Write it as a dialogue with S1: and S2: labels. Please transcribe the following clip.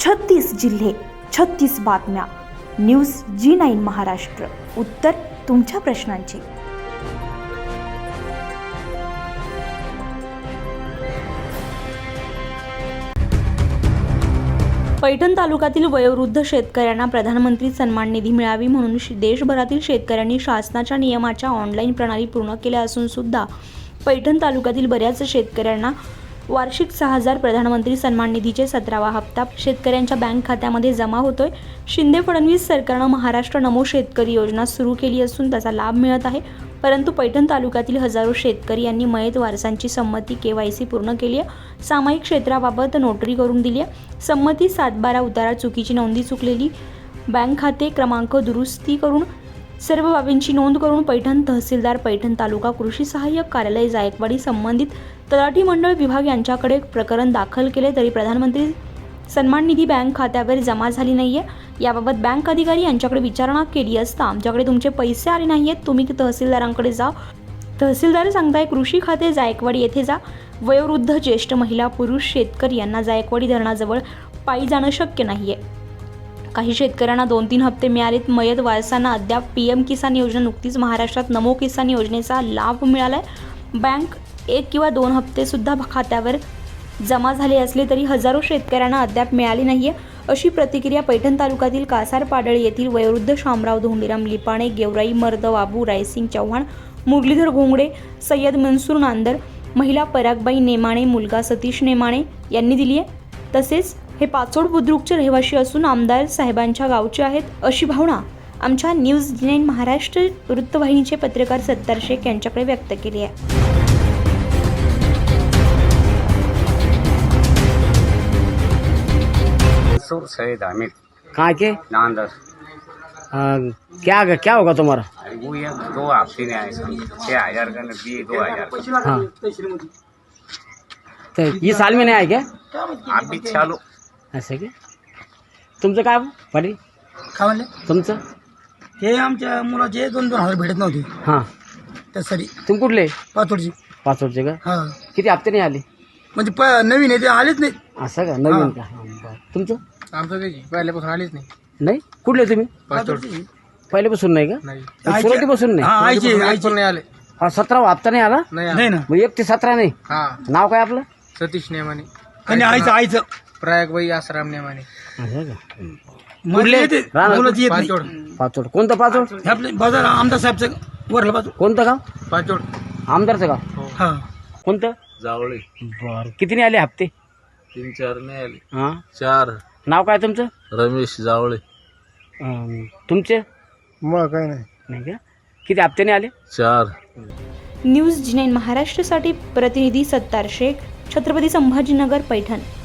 S1: 36 जिल्हे, 36 बातम्या. News G9 Maharashtra. उत्तर तुमच्या प्रश्नांची. पैठण तालुक्यातील वयोवृद्ध शेतकऱ्यांना प्रधानमंत्री सन्मान निधी मिळावी म्हणून देशभरातील शेतकऱ्यांनी शासनाच्या नियमाच्या ऑनलाईन प्रणाली पूर्ण केल्या असून सुद्धा पैठण तालुक्यातील बऱ्याच शेतकऱ्यांना वार्षिक 6,000 प्रधानमंत्री सन्मान निधीचे 17वा हप्ता शेतकऱ्यांच्या बँक खात्यामध्ये जमा होतोय. शिंदे फडणवीस सरकारनं महाराष्ट्र नमो शेतकरी योजना सुरू केली असून त्याचा लाभ मिळत आहे. परंतु पैठण तालुक्यातील हजारो शेतकरी यांनी मयत वारसांची संमती KYC पूर्ण केली आहे. सामायिक क्षेत्राबाबत नोटरी करून दिली आहे. संमती 7/12 उतारा चुकीची नोंदी चुकलेली बँक खाते क्रमांक दुरुस्ती करून सर्व बाबींची नोंद करून पैठण तहसीलदार पैठण तालुका कृषी सहाय्यक कार्यालय जायकवाडी संबंधित तलाठी मंडळ विभाग यांच्याकडे प्रकरण दाखल केले तरी प्रधानमंत्री सन्मान निधी बँक खात्यावर जमा झाली नाहीये. याबाबत बँक अधिकारी यांच्याकडे विचारणा केली असता आमच्याकडे तुमचे पैसे आले नाहीयेत, तुम्ही तहसीलदारांकडे जा. तहसीलदार सांगताय कृषी खाते जायकवाडी येथे जा. वयोवृद्ध, ज्येष्ठ महिला, पुरुष शेतकरी यांना जायकवाडी धरणाजवळ पायी जाणं शक्य नाहीये. काही शेतकऱ्यांना 2-3 हप्ते मिळालेत. मयत वारसांना अद्याप PM किसान योजना, नुकतीच महाराष्ट्रात नमो किसान योजनेचा लाभ मिळालाय. बँक 1 किंवा 2 हप्ते सुद्धा खात्यावर जमा झाले असले तरी हजारो शेतकऱ्यांना अद्याप मिळाली नाहीये, अशी प्रतिक्रिया पैठण तालुक्यातील कासार पाडळी येथील वयोवृद्ध शामराव धोंडीराम लिपाणे, गेवराई मर्द बाबू रायसिंग चव्हाण, मुरलीधर घोंगडे, सय्यद मनसूर नांदर, महिला परागबाई नेमाणे, मुलगा सतीश नेमाणे यांनी दिली आहे. तसेच हे पाचोड बुद्रुकचे रहिवासी असून आमदार साहेबांच्या गावचे आहेत, अशी भावना आमच्या न्यूज G9 महाराष्ट्र वृत्तवाहिनीचे पत्रकार सत्तार शेख यांच्याकडे व्यक्त केली आहे.
S2: सैयद हामिद
S3: कहाँ के
S2: नांदर
S3: क्या होगा तुम्हारा?
S2: वो ये 2 हफ्ते ने आए सन 6,000 का दिए 2,000
S3: हाँ तो ये साल में नहीं आए क्या?
S2: आप भी चालू
S3: असं की तुमचं काय पाटील?
S4: काय म्हणले?
S3: तुमचं
S4: हे आमच्या मुलाचे 2-2 हजार भेटत नव्हते
S3: हां.
S4: त्यासाठी
S3: तुम कुठले?
S4: पाचोडची.
S3: पाचोडचे का?
S4: हा
S3: किती हप्ते नाही आले?
S4: म्हणजे नवीन आहे ते आलेच नाही.
S3: असं का? नवीन का? हां, बरं. तुमचं?
S4: आमचं काही पहिल्यापासून आलेच नाही.
S3: नाही. कुठले तुम्ही?
S4: पाचोडची
S3: पहिल्यापासून नाही का? सुरुवातीपासून नाही?
S4: आईचे नाही आले.
S3: हा 17वा हप्ता नाही आला?
S4: नाही ना.
S3: मग 1 ते 17 नाही. नाव काय आपलं?
S5: सतीश नेमाने,
S4: आणि आईचं
S5: प्रयागबाई आसाराम नेमाने.
S3: असं का?
S4: मुलं येते,
S3: राहणार?
S4: मुलं येत नाही.
S5: पाचोड
S3: पाचोड. कोणतं पाचोड?
S4: हे आपले बाजार आमदार साहेबचं वरलं पाचोड.
S3: कोणतं गाव?
S5: पाचोड
S3: आमदारचं गाव?
S4: हा
S3: कोणतं?
S5: जावळे.
S3: बरं. किती नाही आले हप्ते?
S5: 3-4 नाही आले.
S3: हां.
S5: 4
S3: नाव काय तुमचं?
S5: रमेश जावळे.
S3: तुमचे?
S4: मग काही नाही.
S3: नाही का? किती हप्ते नाही आले?
S5: 4.
S1: न्यूज G9 महाराष्ट्रासाठी प्रतिनिधी सत्तार शेख, छत्रपती संभाजीनगर, पैठण.